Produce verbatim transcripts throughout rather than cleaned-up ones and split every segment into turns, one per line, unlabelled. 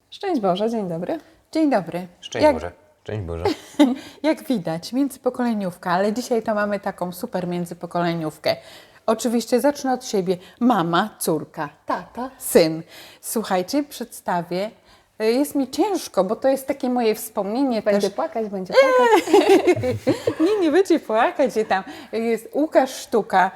Szczęść Boże, dzień dobry.
Dzień dobry.
Szczęść
jak,
Boże. Szczęść Boże.
jak widać, międzypokoleniówka, ale dzisiaj to mamy taką super międzypokoleniówkę. Oczywiście zacznę od siebie. Mama, córka, tata, syn. Słuchajcie, przedstawię. Jest mi ciężko, bo to jest takie moje wspomnienie
Będzie
też.
płakać, będzie płakać.
Nie, nie będzie płakać się tam. Jest Łukasz Sztuka,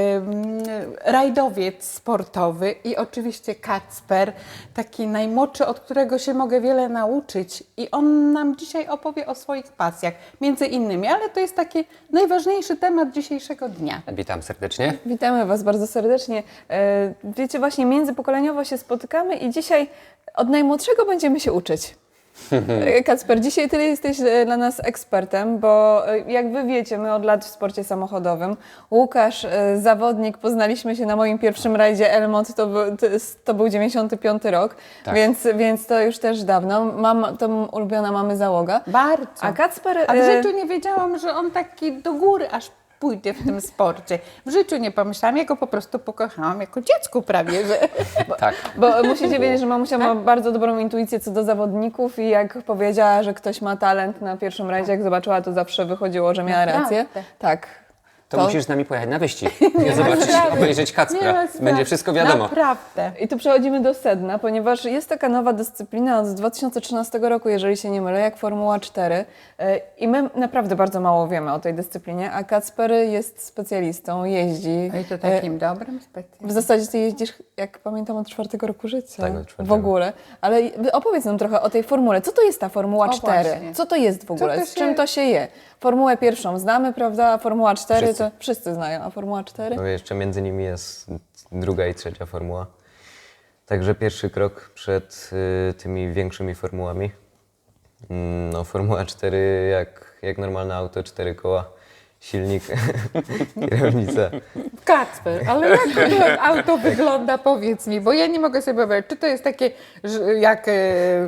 ym, rajdowiec sportowy i oczywiście Kacper, taki najmłodszy, od którego się mogę wiele nauczyć. I on nam dzisiaj opowie o swoich pasjach, między innymi, ale to jest taki najważniejszy temat dzisiejszego dnia.
Witam serdecznie.
Witamy Was bardzo serdecznie. E, Wiecie, właśnie międzypokoleniowo się spotykamy i dzisiaj od najmłodszego będziemy się uczyć. E, Kacper, dzisiaj Ty jesteś e, dla nas ekspertem, bo e, jak Wy wiecie, my od lat w sporcie samochodowym. Łukasz, e, zawodnik, poznaliśmy się na moim pierwszym rajdzie Elmont, to, był- to, jest- to był dziewięćdziesiąty piąty rok,
Tak.
więc, więc to już też dawno. Mam, to ulubiona mamy załoga.
Bardzo.
A Kacper...
A w
e,
życiu nie wiedziałam, że on taki do góry aż pójdzie w tym sporcie. W życiu nie pomyślałam, ja go po prostu pokochałam jako dziecku prawie, że...
Tak.
Bo musicie wiedzieć, że mamusia ma bardzo dobrą intuicję co do zawodników i jak powiedziała, że ktoś ma talent na pierwszym rajdzie, jak zobaczyła, to zawsze wychodziło, że miała
Naprawdę?
rację. Tak.
To, musisz z nami pojechać na wyścig. Nie zobaczyć,
sprawy.
obejrzeć
Nie
Kacpra.
ma sprawy.
Będzie wszystko wiadomo.
Naprawdę.
I tu przechodzimy do sedna, ponieważ jest taka nowa dyscyplina od dwa tysiące trzynastego roku, jeżeli się nie mylę, jak Formuła cztery. E, I my naprawdę bardzo mało wiemy o tej dyscyplinie, a Kacper jest specjalistą, jeździ.
No i to
E,
takim dobrym specjalistą.
W zasadzie ty jeździsz, jak pamiętam, od czwartego roku życia.
Tak, od czwartego.
W ogóle. Ale opowiedz nam trochę o tej formule. Co to jest ta Formuła
O,
cztery?
właśnie.
Co to jest w ogóle?
to
Z
się-
czym to się je? Formułę pierwszą znamy, prawda? A Formuła cztery
Wszyscy.
to wszyscy znają. A Formuła cztery?
No jeszcze między nimi jest druga i trzecia formuła. Także pierwszy krok przed y, tymi większymi formułami. Mm, No Formuła cztery jak, jak normalne auto, cztery koła, silnik, kierownica.
Kacper, ale jak to auto wygląda, powiedz mi, bo ja nie mogę sobie wyobrazić, czy to jest takie, że jak e,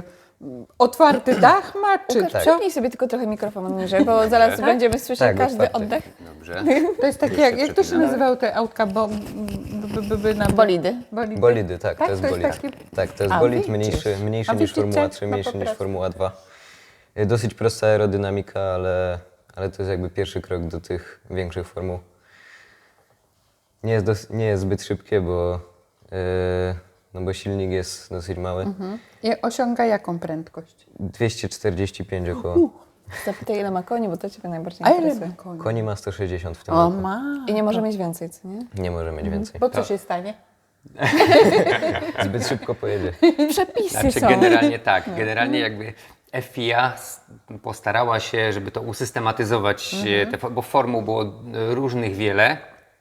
otwarty dach ma, czy
Łukasz,
co?
przypnij sobie tylko trochę mikrofon niżej, bo zaraz będziemy słyszeć
Tak,
każdy
otwarty.
oddech.
Dobrze.
To jest takie, jak, jak to się nazywało te autka, bo, b, b, b, na
Bolidy.
Bolidy.
Bolidy, tak,
Tak,
to jest
to jest
bolid.
taki-
Tak, to jest
A,
bolid
widzisz.
mniejszy, mniejszy
A
niż
widzicie?
Formuła trzy,
No po
mniejszy niż
prostu.
Formuła dwa. Y, Dosyć prosta aerodynamika, ale, ale to jest jakby pierwszy krok do tych większych formuł. Nie jest, dos- nie jest zbyt szybkie, bo, yy, no bo silnik jest dosyć mały.
I osiąga jaką prędkość?
dwieście czterdzieści pięć około.
Zapytaj, ile ma koni, bo to Ciebie najbardziej
A ile
interesuje.
ma koni?
Koni ma sto sześćdziesiąt w tym
O
roku.
ma.
I nie może mieć więcej, co nie?
Nie może mieć więcej.
Bo co się stanie?
Zbyt szybko pojedzie.
Przepisy
Znaczy
są.
generalnie tak, generalnie jakby F I A s- postarała się, żeby to usystematyzować, e, te, fo- bo formuł było e, różnych wiele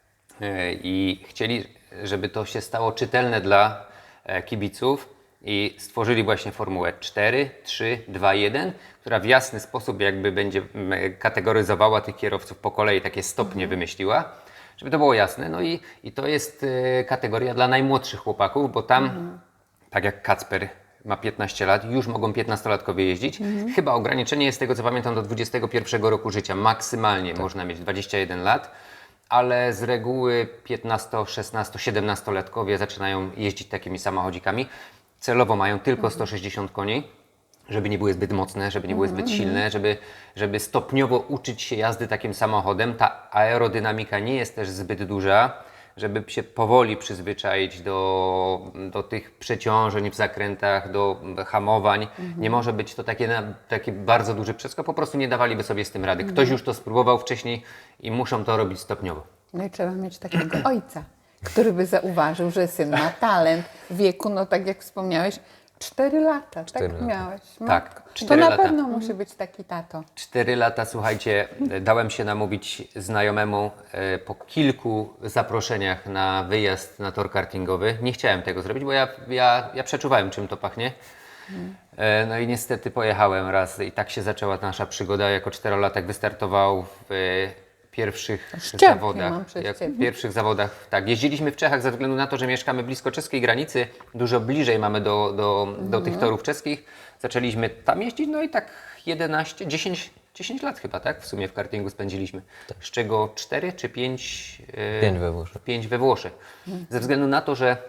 e, i chcieli, żeby to się stało czytelne dla e, kibiców i stworzyli właśnie formułę cztery, trzy, dwa, jeden, która w jasny sposób jakby będzie m, kategoryzowała tych kierowców po kolei, takie stopnie wymyśliła. Żeby to było jasne. No i, i to jest e, kategoria dla najmłodszych chłopaków, bo tam, tak jak Kacper ma piętnaście lat, już mogą piętnastolatkowie jeździć. Chyba ograniczenie jest z tego, co pamiętam, do dwudziestego pierwszego roku życia. Maksymalnie można mieć dwadzieścia jeden lat, ale z reguły piętnasto, szesnasto, siedemnastolatkowie zaczynają jeździć takimi samochodzikami. Celowo mają tylko sto sześćdziesiąt koni, żeby nie były zbyt mocne, żeby nie były zbyt silne, żeby, żeby stopniowo uczyć się jazdy takim samochodem. Ta aerodynamika nie jest też zbyt duża, żeby się powoli przyzwyczaić do, do tych przeciążeń w zakrętach, do hamowań. Nie może być to takie, na- taki bardzo duży przeskok, po prostu nie dawaliby sobie z tym rady. Ktoś już to spróbował wcześniej i muszą to robić stopniowo.
No i trzeba mieć takiego ojca, który by zauważył, że syn ma talent w wieku, no tak jak wspomniałeś, cztery lata,
Cztery
tak
lata.
miałeś.
Tak,
Matko. To
cztery
na
lata.
pewno musi być taki tato.
Cztery lata, słuchajcie, dałem się namówić znajomemu e, po kilku zaproszeniach na wyjazd na tor kartingowy. Nie chciałem tego zrobić, bo ja, ja, ja przeczuwałem, czym to pachnie. E, No i niestety pojechałem raz i tak się zaczęła nasza przygoda. Jako czterolatek wystartował w e, pierwszych
Szczepki
zawodach.
mam przez
Jak
ciebie.
w pierwszych zawodach, tak. Jeździliśmy w Czechach ze względu na to, że mieszkamy blisko czeskiej granicy. Dużo bliżej mamy do, do, do tych torów czeskich. Zaczęliśmy tam jeździć, no i tak jedenaście, dziesięć, dziesięć lat chyba, tak? W sumie w kartingu spędziliśmy. Z czego cztery czy pięć?
Pięć we Włoszech.
Pięć we Włoszech. Ze względu na to, że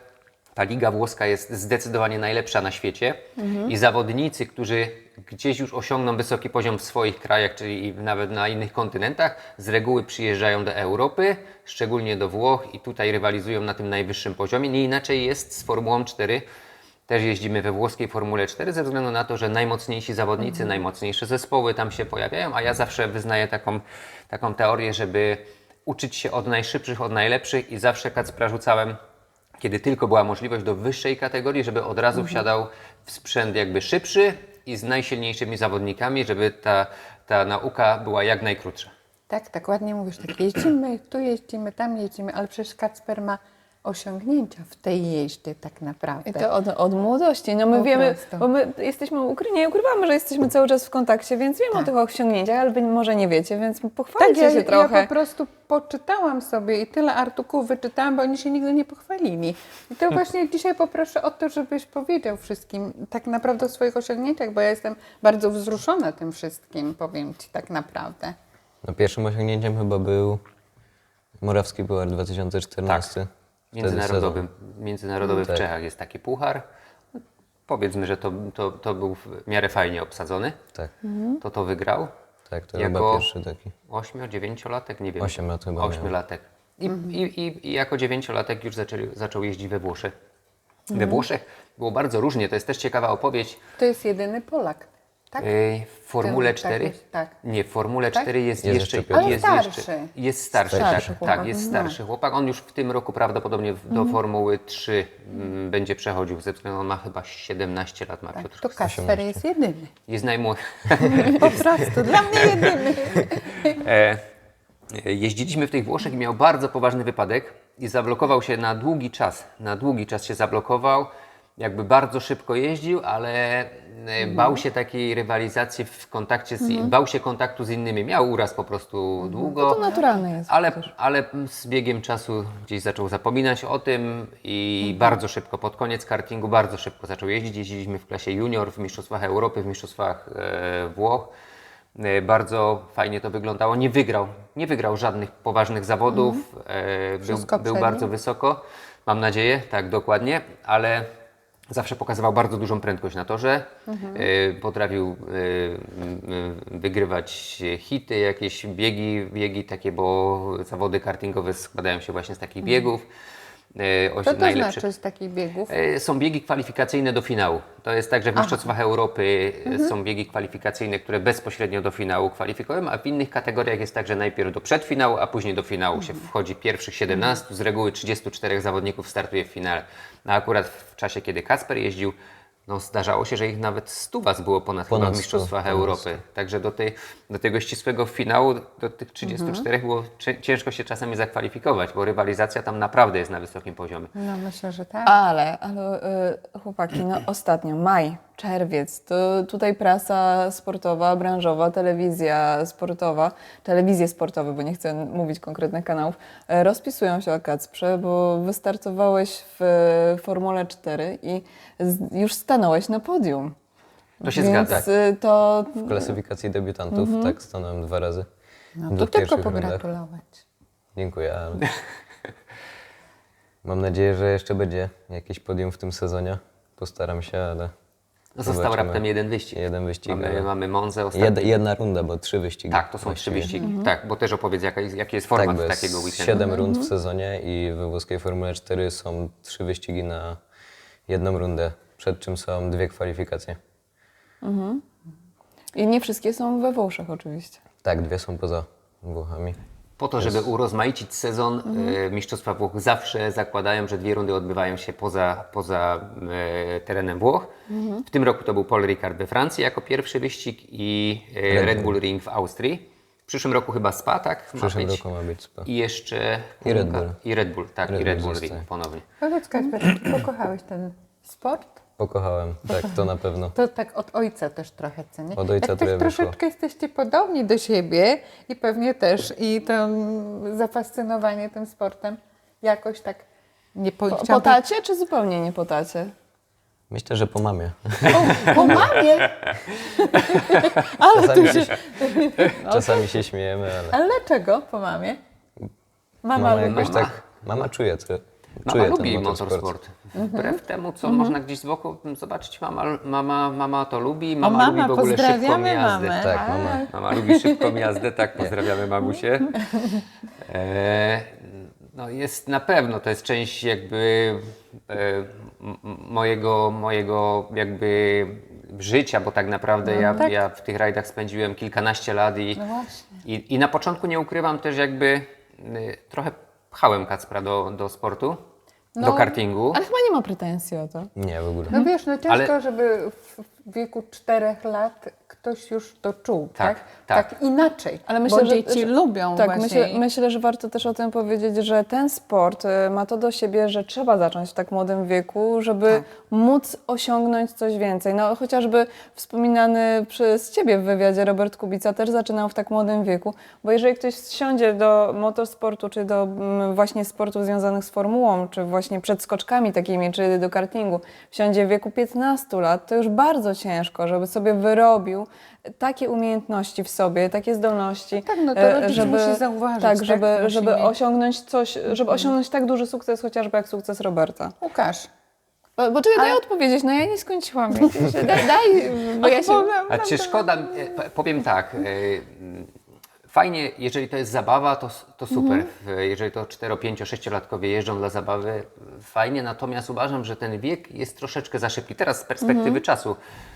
ta liga włoska jest zdecydowanie najlepsza na świecie i zawodnicy, którzy gdzieś już osiągną wysoki poziom w swoich krajach, czyli nawet na innych kontynentach, z reguły przyjeżdżają do Europy, szczególnie do Włoch i tutaj rywalizują na tym najwyższym poziomie. Nie inaczej jest z Formułą cztery. Też jeździmy we włoskiej Formule cztery ze względu na to, że najmocniejsi zawodnicy, najmocniejsze zespoły tam się pojawiają, a ja zawsze wyznaję taką, taką teorię, żeby uczyć się od najszybszych, od najlepszych i zawsze Kacpra rzucałem, kiedy tylko była możliwość, do wyższej kategorii, żeby od razu wsiadał w sprzęt jakby szybszy i z najsilniejszymi zawodnikami, żeby ta, ta nauka była jak najkrótsza.
Tak, tak ładnie mówisz, tak jeździmy, tu jeździmy, tam jeździmy, ale przecież Kacper ma osiągnięcia w tej jeździe tak naprawdę.
I to od, od młodości. No my
Po
wiemy,
prostu.
bo my jesteśmy ukryci, nie ukrywamy, że jesteśmy cały czas w kontakcie, więc wiemy
Tak.
o tych osiągnięciach, ale wy może nie wiecie, więc pochwalcie
Tak, ja,
się trochę.
ja po prostu poczytałam sobie i tyle artykułów wyczytałam, bo oni się nigdy nie pochwalili. I to właśnie dzisiaj poproszę o to, żebyś powiedział wszystkim tak naprawdę o swoich osiągnięciach, bo ja jestem bardzo wzruszona tym wszystkim, powiem Ci tak naprawdę.
No, pierwszym osiągnięciem chyba był Morawski Puchar dwa tysiące czternasty. Wtedy
Międzynarodowym, międzynarodowy w
Tak.
Czechach jest taki puchar. Powiedzmy, że to, to, to był w miarę fajnie obsadzony.
Tak,
To to wygrał.
tak, to
Jako-
chyba pierwszy taki.
Ośmiu, dziewięciolatek, nie wiem.
Osiem lat chyba
Ośmiolatek. I, i, i, I jako dziewięciolatek już zaczęli, zaczął jeździć we Włoszech. We Włoszech było bardzo różnie, to jest też ciekawa opowieść.
To jest jedyny Polak, tak?
Yy, W Formule
tak
cztery?
jest, tak.
Nie, w Formule
Tak?
cztery jest,
Jest
jeszcze,
jeszcze Piotr.
Ale
jest
starszy.
jeszcze jest starszy,
Starszy
tak,
chłopak.
tak, jest starszy chłopak. On już w tym roku prawdopodobnie w- do Formuły trzy mm, będzie przechodził, ze względu on ma chyba siedemnaście lat ma Piotr.
To Kacper jest jedyny.
Jest najmłodszy.
Po prostu, dla mnie jedyny.
E, Jeździliśmy w tych Włoszech i miał bardzo poważny wypadek i zablokował się na długi czas. Na długi czas się zablokował. Jakby bardzo szybko jeździł, ale e, bał się takiej rywalizacji w kontakcie z, bał się kontaktu z innymi. Miał uraz po prostu długo.
To naturalne jest.
Ale, ale z biegiem czasu gdzieś zaczął zapominać o tym i bardzo szybko, pod koniec kartingu, bardzo szybko zaczął jeździć. Jeździliśmy w klasie junior, w Mistrzostwach Europy, w Mistrzostwach e, Włoch. E, bardzo fajnie to wyglądało. Nie wygrał, nie wygrał żadnych poważnych zawodów. E, był
Wszystko
był
przed
bardzo
nim?
wysoko, mam nadzieję, tak dokładnie, ale zawsze pokazywał bardzo dużą prędkość na torze. E, potrafił e, m, wygrywać hity, jakieś biegi, biegi takie, bo zawody kartingowe składają się właśnie z takich biegów. E, oś-
Co to
najlepszy-
znaczy z takich biegów?
E, Są biegi kwalifikacyjne do finału. To jest tak, że w Mistrzostwach Europy e,
Mhm.
są biegi kwalifikacyjne, które bezpośrednio do finału kwalifikują, a w innych kategoriach jest tak, że najpierw do przedfinału, a później do finału się
Mhm.
wchodzi pierwszych siedemnastu. Z reguły trzydziestu czterech zawodników startuje w finale. A akurat w czasie, kiedy Kacper jeździł, no zdarzało się, że ich nawet stu was było ponad,
Ponad
chyba w
stu,
Mistrzostwach
ponad
Europy. Także do, tej, do tego ścisłego finału, do tych trzydziestu czterech
Mhm.
było cie- ciężko się czasami zakwalifikować, bo rywalizacja tam naprawdę jest na wysokim poziomie.
No myślę, że tak.
Ale, ale y, chłopaki, no ostatnio, maj, czerwiec, to tutaj prasa sportowa, branżowa, telewizja sportowa, telewizje sportowe, bo nie chcę mówić konkretnych kanałów, y, rozpisują się o Kacprze, bo wystartowałeś w y, Formule cztery i z, już stanąłeś na podium.
To się
Więc
zgadza.
y, to
W klasyfikacji debiutantów tak stanąłem dwa razy.
No
w
to
dwóch
tylko
pierwszych rundach.
pogratulować.
Dziękuję, ale mam nadzieję, że jeszcze będzie jakieś podium w tym sezonie. Postaram się, ale
No został
zobaczymy.
raptem jeden wyścig.
Jeden wyścig,
Mamy,
ale-
mamy Monzę ostatnio.
Jed, jedna runda, bo trzy wyścigi.
Tak, to są trzy
właściwie.
wyścigi. Tak, bo też opowiedz, jaka, jest- jaki jest format
Tak, bo jest
takiego weekendu.
siedem rund w sezonie i we włoskiej Formule cztery są trzy wyścigi na jedną rundę, przed czym są dwie kwalifikacje.
i nie wszystkie są we Włoszech oczywiście.
Tak, dwie są poza Włochami.
Po to, żeby urozmaicić sezon, e, Mistrzostwa Włoch zawsze zakładają, że dwie rundy odbywają się poza, poza e, terenem Włoch. W tym roku to był Paul Ricard we Francji jako pierwszy wyścig i e,
Red
Red
Bull.
Bull Ring w Austrii. W przyszłym roku chyba Spa, tak?
W przyszłym roku ma być Spa.
I jeszcze...
I Red Bull.
I Red Bull, tak.
Red
I Red
Bull
Bull
zostaje.
Ring ponownie.
Powiedz Kacper, czy pokochałeś ten sport?
Pokochałem, tak, to na pewno.
To tak od ojca też trochę, co nie?
Od ojca
Jak
trochę
też
wyszło.
troszeczkę jesteście podobni do siebie i pewnie też i to mm, zafascynowanie tym sportem jakoś tak nie po,
Po,
chciałam
po tacie, czy zupełnie nie po tacie?
Myślę, że po mamie.
O, po mamie!
Ale
Czasami
tu
się,
się...
czasami się śmiejemy, ale
Ale dlaczego po mamie? Mama,
mama
lubi-
jakoś tak, mama czuje, co,
Mama
czuję ten
lubi
motorsport.
motorsport. Wbrew temu, co można gdzieś z boku zobaczyć, mama, mama, mama to lubi, mama,
mama,
lubi w ogóle szybką
pozdrawiamy
jazdę.
mamę.
Tak, mama.
Mama lubi szybką jazdę, tak, pozdrawiamy mamusię. E, no jest na pewno, to jest część jakby e, m- m- mojego, mojego jakby życia, bo tak naprawdę ja,
tak.
ja w tych rajdach spędziłem kilkanaście lat i,
No właśnie.
i, i na początku nie ukrywam też jakby y, trochę pchałem Kacpra do, do sportu, do
No,
kartingu.
Ale chyba nie ma pretensji o to.
Nie, w ogóle.
No wiesz, no ciężko,
Ale-
żeby w wieku czterech lat ktoś już to czuł, tak?
Tak, tak.
inaczej,
Ale myślę,
bo
że,
dzieci
że,
lubią
tak,
właśnie.
myślę, myślę, że warto też o tym powiedzieć, że ten sport y, ma to do siebie, że trzeba zacząć w tak młodym wieku, żeby
Tak.
móc osiągnąć coś więcej. No chociażby wspominany przez Ciebie w wywiadzie Robert Kubica też zaczynał w tak młodym wieku, bo jeżeli ktoś siądzie do motorsportu, czy do mm, właśnie sportów związanych z formułą, czy właśnie przed skoczkami takimi, czy do kartingu, wsiądzie w wieku piętnastu lat, to już bardzo ciężko, żeby sobie wyrobił takie umiejętności w sobie, takie zdolności,
Tak, no to
e,
rodzic musi zauważyć,
tak,
tak?
żeby,
Musi
żeby
mieć-
osiągnąć coś, żeby osiągnąć tak duży sukces, chociażby jak sukces Roberta.
Łukasz,
Bo, bo czekaj, daj
Ale-
odpowiedzieć, no ja nie skończyłam. widzisz, Daj, daj bo ja się...
A czy szkoda, e, p- powiem tak, e, mm, fajnie, jeżeli to jest zabawa, to, s- to super. W- Jeżeli to cztero, pięcio, sześciolatkowie jeżdżą dla zabawy, fajnie, natomiast uważam, że ten wiek jest troszeczkę za szybki. Teraz z perspektywy czasu.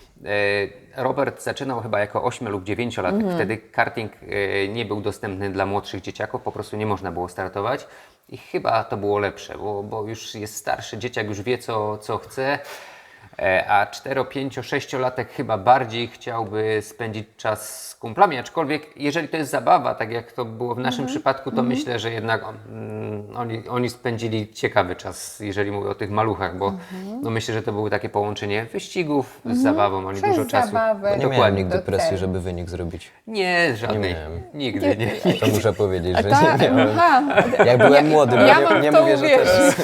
e, Robert zaczynał chyba jako ośmiu lub dziewięciolatek. Wtedy karting e, nie był dostępny dla młodszych dzieciaków, po prostu nie można było startować. I chyba to było lepsze, bo, bo już jest starszy, dzieciak już wie, co, co chce. E, A cztero, pięcio, sześciolatek chyba bardziej chciałby spędzić czas z kumplami, aczkolwiek jeżeli to jest zabawa, tak jak to było w naszym przypadku, to myślę, że jednak mm, oni, oni spędzili ciekawy czas, jeżeli mówię o tych maluchach, bo no myślę, że to było takie połączenie wyścigów z zabawą, oni
przez
dużo czasu.
zabawę.
Nie miałem
Dokładnie.
nigdy
do
presji,
celu.
żeby wynik zrobić.
Nie, żadnej.
Nie miałem.
Nigdy nie.
To muszę powiedzieć, że
Ta,
nie miałem.
aha,
Jak byłem młody, bo
ja
nie,
mam
nie
w to
mówię, że
uwierzyć.
teraz.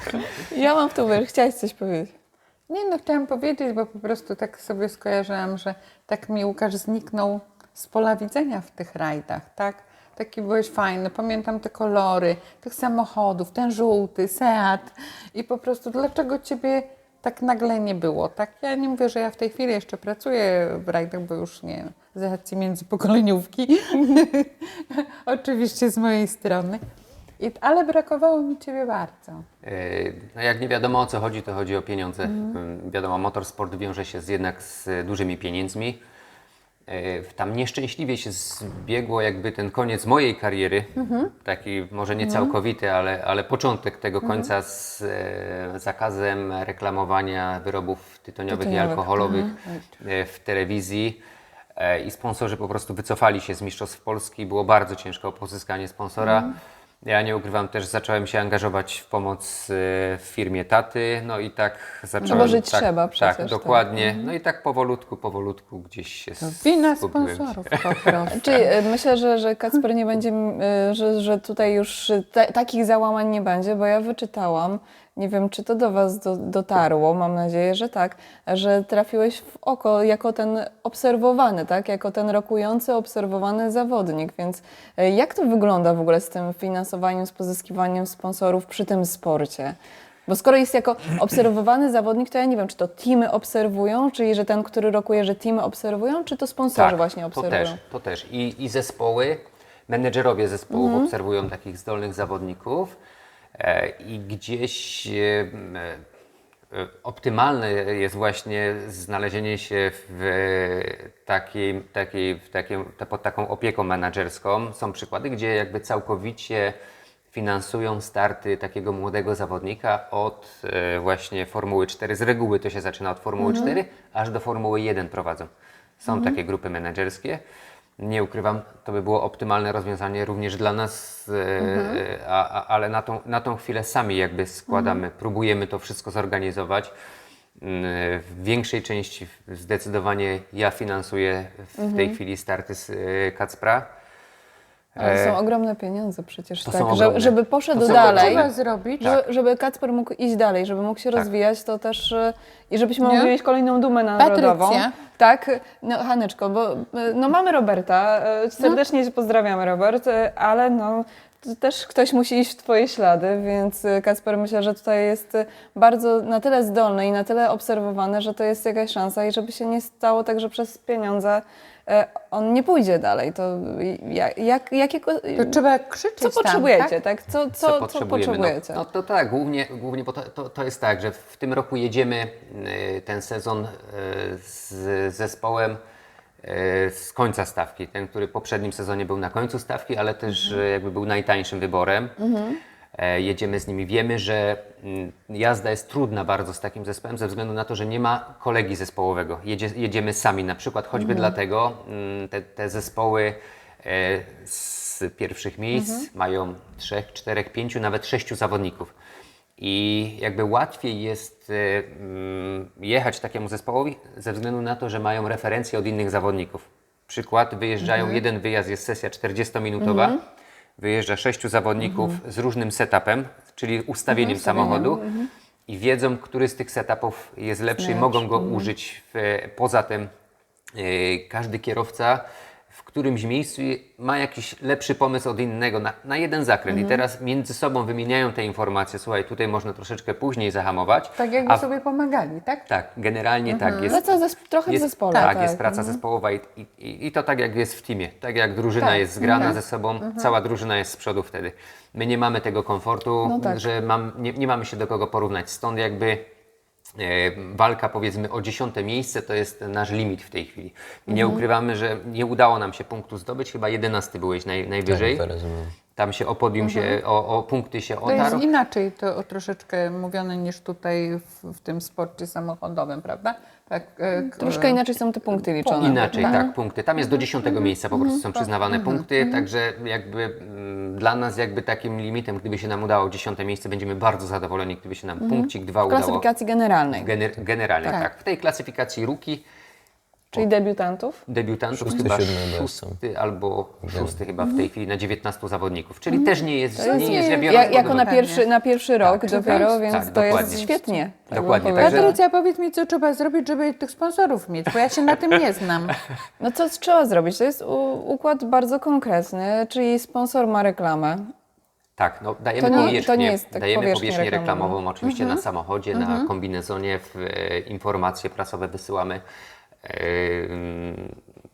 Ja mam w to uwierzyć. Chciałaś coś powiedzieć.
nie no chciałam powiedzieć, bo po prostu tak sobie skojarzyłam, że tak mi Łukasz zniknął z pola widzenia w tych rajdach, tak? Taki byłeś fajny, pamiętam te kolory tych samochodów, ten żółty, Seat i po prostu dlaczego Ciebie tak nagle nie było, tak? Ja nie mówię, że ja w tej chwili jeszcze pracuję w rajdach, bo już nie, z racji międzypokoleniówki, oczywiście z mojej strony, I, ale brakowało mi Ciebie bardzo.
E, No jak nie wiadomo o co chodzi, to chodzi o pieniądze. Mm, Wiadomo, motorsport wiąże się z, jednak z dużymi pieniędzmi. E, Tam nieszczęśliwie się zbiegło jakby ten koniec mojej kariery, taki może nie całkowity, ale, ale początek tego końca z e, zakazem reklamowania wyrobów tytoniowych, i
Tytoniowych.
alkoholowych e, w telewizji. E, I sponsorzy po prostu wycofali się z Mistrzostw Polski. Było bardzo ciężko o pozyskanie sponsora. Ja nie ukrywam, też zacząłem się angażować w pomoc e, w firmie taty, no i tak zacząłem...
bo żyć
tak,
trzeba przecież,
Tak,
tak.
dokładnie. No i tak powolutku, powolutku gdzieś się
Wina
zgubiłem.
sponsorów po prostu.
Czyli e, myślę, że, że Kacper nie będzie, e, że, że tutaj już ta, takich załamań nie będzie, bo ja wyczytałam, nie wiem, czy to do Was do, dotarło, mam nadzieję, że tak, że trafiłeś w oko jako ten obserwowany, tak? Jako ten rokujący, obserwowany zawodnik, więc e, jak to wygląda w ogóle z tym finansowaniem, z pozyskiwaniem sponsorów przy tym sporcie? Bo skoro jest jako obserwowany zawodnik, to ja nie wiem, czy to teamy obserwują, czyli że ten, który rokuje, że teamy obserwują, czy to sponsorzy właśnie
to
obserwują?
też, to też. I, i zespoły, menedżerowie zespołów
Mhm.
obserwują takich zdolnych zawodników e, i gdzieś e, e, optymalne jest właśnie znalezienie się w takiej, takiej, w takiej, pod taką opieką menedżerską. Są przykłady, gdzie jakby całkowicie finansują starty takiego młodego zawodnika od e, właśnie Formuły cztery. Z reguły to się zaczyna od Formuły cztery, aż do Formuły jeden prowadzą. Są takie grupy menedżerskie. Nie ukrywam, to by było optymalne rozwiązanie również dla nas, e, a, a, ale na tą, na tą chwilę sami jakby składamy, próbujemy to wszystko zorganizować. Mm, W większej części zdecydowanie ja finansuję w tej chwili starty z e, Kacpra.
Ale są ogromne pieniądze przecież,
To
tak,
są
że,
ogromne.
żeby poszedł
To są
dalej,
Trzeba
ogromne.
zrobić.
że, żeby Kacper mógł iść dalej, żeby mógł się
Tak.
rozwijać, to też e, i żebyśmy
Nie?
mogli mieć kolejną dumę narodową.
Patrycja.
Tak, no Haneczko, bo e, no mamy Roberta, e, serdecznie Cię pozdrawiamy Robert, e, ale no też ktoś musi iść w twoje ślady, więc y, Kacper, myślę, że tutaj jest y, bardzo na tyle zdolny i na tyle obserwowany, że to jest jakaś szansa i żeby się nie stało tak, że przez pieniądze y, on nie pójdzie dalej. To y, jak, jak, jakiego,
To trzeba krzyczeć
co
tam,
potrzebujecie,
tak?
tak? Co, co,
co
co
potrzebujemy.
potrzebujecie?
No, no to tak, głównie, głównie bo to, to, to jest tak, że w tym roku jedziemy y, ten sezon y, z zespołem y, z końca stawki. Ten, który w poprzednim sezonie był na końcu stawki, ale też y, jakby był najtańszym wyborem. E, Jedziemy z nimi. Wiemy, że mm, jazda jest trudna bardzo z takim zespołem ze względu na to, że nie ma kolegi zespołowego. Jedzie, jedziemy sami, na przykład choćby dlatego mm, te, te zespoły e, z pierwszych miejsc mają trzech, czterech, pięciu, nawet sześciu zawodników. I jakby łatwiej jest e, mm, jechać takiemu zespołowi ze względu na to, że mają referencje od innych zawodników. Przykład, wyjeżdżają, jeden wyjazd jest sesja czterdziestominutowa, wyjeżdża sześciu zawodników z różnym setupem, czyli ustawieniem samochodu i wiedzą, który z tych setupów jest lepszy i mogą go użyć. W, poza tym e, każdy kierowca w którymś miejscu ma jakiś lepszy pomysł od innego na, na jeden zakręt i teraz między sobą wymieniają te informacje. Słuchaj, tutaj można troszeczkę później zahamować.
Tak jakby
a w-
sobie pomagali, tak?
tak, generalnie tak jest.
Praca zes- trochę
jest,
w zespole.
Tak, jest praca zespołowa i, i, i to tak jak jest w teamie. Tak jak drużyna
Tak,
jest zgrana
tak.
ze sobą, cała drużyna jest z przodu wtedy. My nie mamy tego komfortu,
No tak.
że mam, nie, nie mamy się do kogo porównać. Stąd jakby e, walka powiedzmy o dziesiąte miejsce to jest nasz limit w tej chwili. I nie ukrywamy, że nie udało nam się punktu zdobyć, chyba jedenasty byłeś naj, najwyżej.
Tak, rozumiem.
Tam się o podium się, o, o punkty się
To jest
otarł.
inaczej to o troszeczkę mówione niż tutaj w, w tym sporcie samochodowym, prawda? Tak, e, k-
Troszkę inaczej są te punkty liczone.
Inaczej, tak, punkty. Tam jest do dziesiątego miejsca po prostu są przyznawane punkty, także jakby mm, dla nas jakby takim limitem, gdyby się nam udało dziesiąte miejsce, będziemy bardzo zadowoleni, gdyby się nam punkcik dwa
W
udało.
klasyfikacji generalnej,
Gener generalnie,
Tak.
tak. W tej klasyfikacji rookie
czyli debiutantów.
debiutantów
Szósty,
chyba
siódmy chyba
szósty albo szósty chyba w tej chwili na dziewiętnastu zawodników, czyli też nie jest,
To jest,
nie jest źle
ja,
biorąc pod
jako na
uwagę.
pierwszy, na pierwszy rok dopiero, więc
tak,
to
dokładnie.
jest świetnie. tak
Dokładnie,
bym
także-
powiedziała.
Patrycja, powiedz mi, co trzeba zrobić, żeby tych sponsorów mieć, bo ja się na tym nie znam.
No co trzeba zrobić? To jest u, układ bardzo konkretny, czyli sponsor ma reklamę.
Tak, no dajemy
To nie-
powierzchnię,
to nie jest tak
dajemy
powierzchnię
powierzchnię
reklamową.
reklamową, oczywiście na samochodzie, na kombinezonie, w, e, informacje prasowe wysyłamy. E, mm,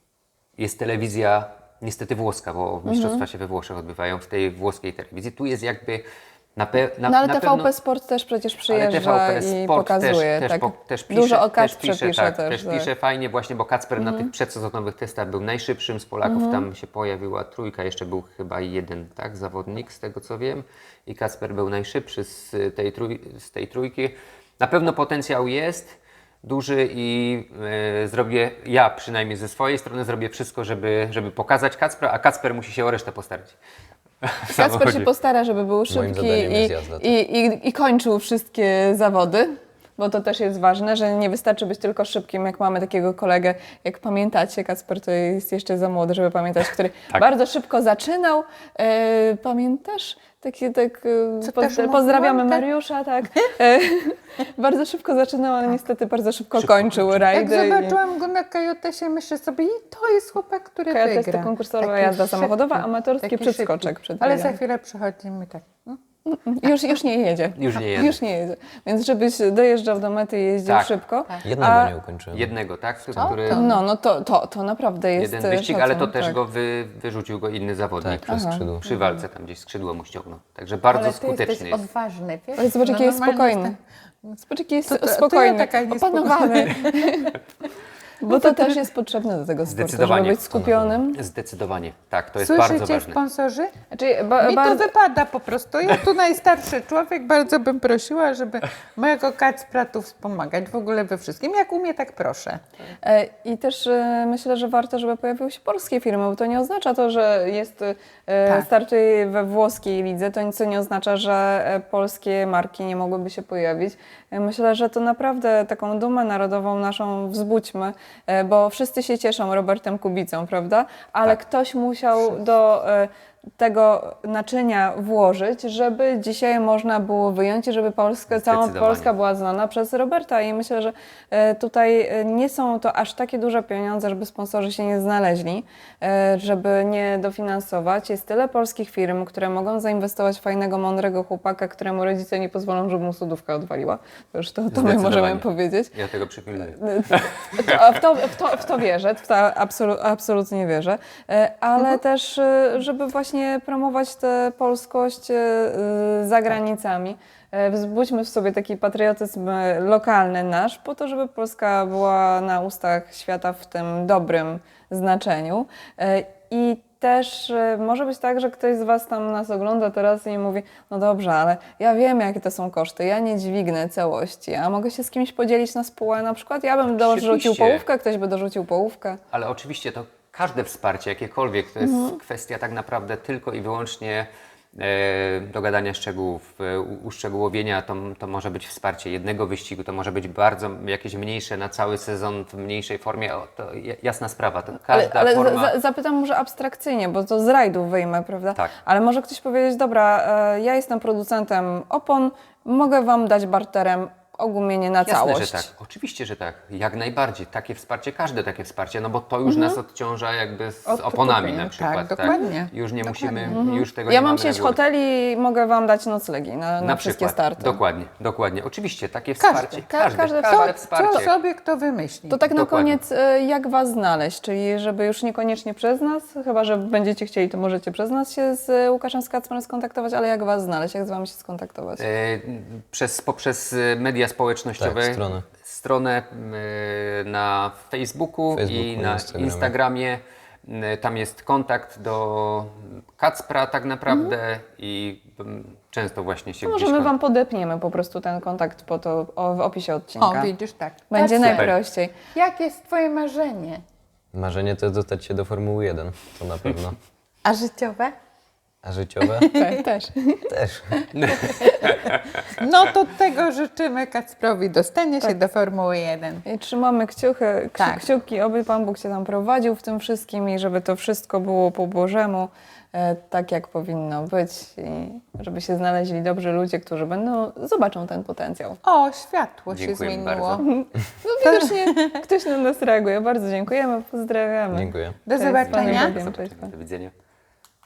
jest telewizja, niestety włoska, bo mistrzostwa się we Włoszech odbywają w tej włoskiej telewizji. Tu jest jakby na, pe, na,
No ale
na
T V P
pewno...
Sport też przecież
Ale
przyjeżdża
T V P
i
Sport
pokazuje.
też, też,
tak.
po, też pisze,
Dużo o
też
Kacprze
pisze,
pisze
tak,
też.
też
tak.
pisze fajnie właśnie, bo Kacper na tych przedsezonowych testach był najszybszym z Polaków, tam się pojawiła trójka, jeszcze był chyba jeden tak, zawodnik z tego co wiem i Kacper był najszybszy z tej, trój, z tej trójki. Na pewno potencjał jest duży i e, zrobię, ja przynajmniej ze swojej strony zrobię wszystko, żeby, żeby pokazać Kacpra, a Kacper musi się o resztę postarać. W
Kacper się
samochodzie.
postara, żeby był szybki
zadaniem
i,
jest jazda, tak.
i, i, i kończył wszystkie zawody, bo to też jest ważne, że nie wystarczy być tylko szybkim, jak mamy takiego kolegę, jak pamiętacie, Kacper to jest jeszcze za młody, żeby pamiętać, który
Tak.
bardzo szybko zaczynał. E, pamiętasz? Takie, tak, e,
Co
poz,
też
pozdrawiamy
mówiłam, tak?
Mariusza, tak. E, bardzo szybko zaczynał, ale niestety bardzo szybko,
Szybko
kończył
kończył.
Jak
rajdy. i-
zobaczyłam go na Kajotesie, myślę sobie, i to jest chłopak, który
To jest
wygra.
to konkursowa
Taki
jazda
szybki,
samochodowa, amatorski
taki
przeskoczek
szybki.
przed
Ale
biegiem.
za chwilę przychodzimy tak. no.
Już, już nie jedzie.
Już nie jedzie.
Już nie jedzie. Więc żebyś dojeżdżał do mety i jeździł
Tak.
szybko.
Jednego
A-
nie ukończyłem.
Jednego, tak? Który,
No, no to, to, to naprawdę jest
jeden wyścig,
szacunek,
ale to też
tak.
go wy, wyrzucił go inny zawodnik.
Tak, przez skrzydło.
Przy walce tam gdzieś skrzydło mu ściągnął. Także bardzo
Ale ty
skuteczny
jesteś
jest.
odważny, wiesz?
Ale zobacz, jaki jest
normalnie
spokojny. Zobacz, jaki jest
To- to- to ja
spokojny,
taka niespokojna.
opanowany. Bo to też jest potrzebne do tego sportu, żeby
Zdecydowanie.
być skupionym.
Zdecydowanie, tak, to jest bardzo
Słyszycie,
ważne.
sponsorzy?
Znaczy, ba,
Mi
bardzo,
to wypada po prostu. Ja tu najstarszy człowiek, bardzo bym prosiła, żeby mojego Kacpra tu wspomagać w ogóle we wszystkim. Jak umie, tak proszę.
E, I też e, myślę, że warto, żeby pojawiły się polskie firmy, bo to nie oznacza to, że jest, e,
Tak.
startuje we włoskiej lidze, to nic nie oznacza, że e, polskie marki nie mogłyby się pojawić. E, Myślę, że to naprawdę taką dumę narodową naszą wzbudźmy, e, bo wszyscy się cieszą Robertem Kubicą, prawda? Ale
Tak.
ktoś musiał do... e, tego naczynia włożyć, żeby dzisiaj można było wyjąć i żeby Polska, cała
Zdecydowanie.
Polska była znana przez Roberta i myślę, że e, tutaj e, nie są to aż takie duże pieniądze, żeby sponsorzy się nie znaleźli, e, żeby nie dofinansować. Jest tyle polskich firm, które mogą zainwestować w fajnego, mądrego chłopaka, któremu rodzice nie pozwolą, żeby mu sodówka odwaliła. To już to, to my
Zdecydowanie.
możemy powiedzieć.
Ja tego przypilnuję.
To- W to, w, to, w to wierzę, w to absolu, absolutnie wierzę, E, ale też, e, żeby właśnie promować tę polskość e, e, za granicami. E, Wzbudźmy w sobie taki patriotyzm e, lokalny nasz, po to, żeby Polska była na ustach świata w tym dobrym znaczeniu. E, I też e, może być tak, że ktoś z Was tam nas ogląda teraz i mówi, no dobrze, ale ja wiem, jakie to są koszty, ja nie dźwignę całości, a mogę się z kimś podzielić na spółę na przykład, ja bym dorzucił
Oczywiście.
połówkę, ktoś by dorzucił połówkę.
Ale oczywiście to każde wsparcie, jakiekolwiek, to jest
Mhm.
kwestia tak naprawdę tylko i wyłącznie e, dogadania szczegółów, e, u- uszczegółowienia. To, to może być wsparcie jednego wyścigu, to może być bardzo jakieś mniejsze na cały sezon w mniejszej formie. O, to ja- jasna sprawa, to
Ale,
każda
ale
forma...
za, zapytam może abstrakcyjnie, bo to z rajdów wyjmę, prawda?
Tak.
Ale może ktoś powiedzieć, dobra, e, ja jestem producentem opon, mogę Wam dać barterem ogumienie na
Jasne,
całość.
że tak. Oczywiście, że tak. Jak najbardziej. Takie wsparcie, każde takie wsparcie, no bo to już nas odciąża jakby z
Od
oponami
kupienia,
na przykład.
tak, dokładnie.
Już nie
Dokładnie.
musimy, już tego
Ja
nie
mam
mamy na
sieć
górę.
hoteli, mogę Wam dać noclegi na, na,
Na
wszystkie
przykład.
starty.
Dokładnie, dokładnie. Oczywiście, takie
Każde.
wsparcie.
Ka-
Każde,
każde
każde,
wsparcie.
wsparcie.
Co sobie kto wymyśli.
To tak na
Dokładnie.
koniec, e, jak Was znaleźć? Czyli żeby już niekoniecznie przez nas, chyba że będziecie chcieli, to możecie przez nas się z e, Łukaszem Skacmarem skontaktować, ale jak Was znaleźć, jak z Wami się skontaktować?
E, przez, poprzez e, media społecznościowe.
Tak, stronę.
Stronę e, na Facebooku,
Facebooku,
i
na
na
Instagramie.
Instagramie. E, Tam jest kontakt do Kacpra tak naprawdę i mm, często właśnie się
To
gdzieś
może my
kon-
Wam podepniemy po prostu ten kontakt po to, o, w opisie odcinka.
O, widzisz, tak.
Będzie
Kacper,
najprościej.
jakie jest Twoje marzenie?
Marzenie to jest dostać się do Formuły jeden, to na pewno.
A życiowe?
A życiowe?
Tak, też.
Też.
No to tego życzymy Kacprowi, dostanie się do Formuły jeden.
I trzymamy kciuchy, kci-
Tak.
kciuki, oby Pan Bóg Cię tam prowadził w tym wszystkim i żeby to wszystko było po Bożemu, e, tak jak powinno być i żeby się znaleźli dobrzy ludzie, którzy będą, zobaczą ten potencjał.
O, światło się
Dziękujemy
zmieniło.
bardzo.
No widocznie ktoś na nas reaguje. Bardzo dziękujemy, pozdrawiamy.
Dziękuję.
Do
Cześć, z Panem
zobaczenia.
Bogiem, cześć.
Do widzenia.